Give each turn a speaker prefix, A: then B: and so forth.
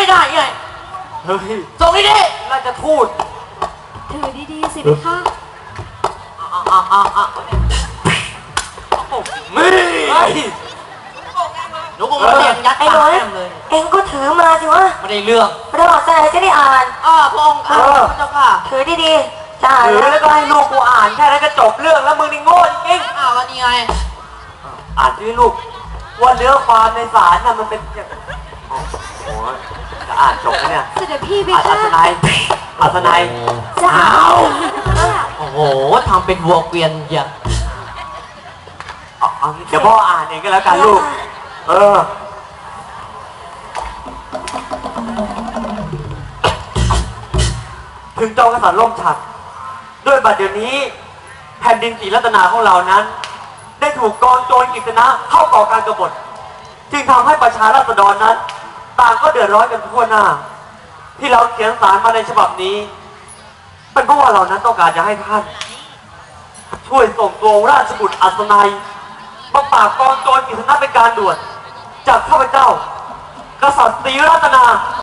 A: ไม่ได้ไง
B: เฮ้ย
A: ส่งนี่ดิ
B: ราชทูต
C: ถือดีๆสิพี่คะ
B: นี่
A: หนูคงมาเรียนยัดปากแก้มเลย
D: เองก็ถือมาสิวะ
A: ไม่ได้เรื่อง
D: เราบอกใจจะได้อ่าน
A: พระองค์พระเจ้าค่ะ
D: ถือดีๆจะอ่าน
B: ถือแล้วก็ให้ลูกกูอ่านแค่นั้นก็จบเรื่องแล้วมึงนี่โง่จริง
A: วันนี้ไง
B: อ่านที่ลูกว่าเนื้อความในสารน่ะมันเป็นอย่างโอ้ยจะอ่านจบแล้วเนี่ย
C: เสด็จพี่พี่
B: อั
C: คะ
B: ศนัย
D: จะเอา
A: โอ้โหทำเป็นวัวเกวียนอย่าง
B: เดี๋ยวพ่ออ่านเองก็แล้วกันลูกถึงจอมกษัตริย์ล่มฉัตรด้วยบัดเดี๋ยวนี้แผ่นดินศรีรัตนาของเรานั้นได้ถูกกองโจรกฤษณะเข้าก่อการกบฏจึงทำให้ประชาราษฎรนั้นต่างก็เดือดร้อนกันทั่วหน้าที่เราเขียนสารมาในฉบับนี้เป็นเพราะว่าเรานั้นต้องการจะให้ท่านช่วยส่งตัวราชบุตรอัศนัยมาปราบกองโจรกฤษณะเป็นการด่วนจากข้าพเจ้ากษัตริย์ศรีรัตนา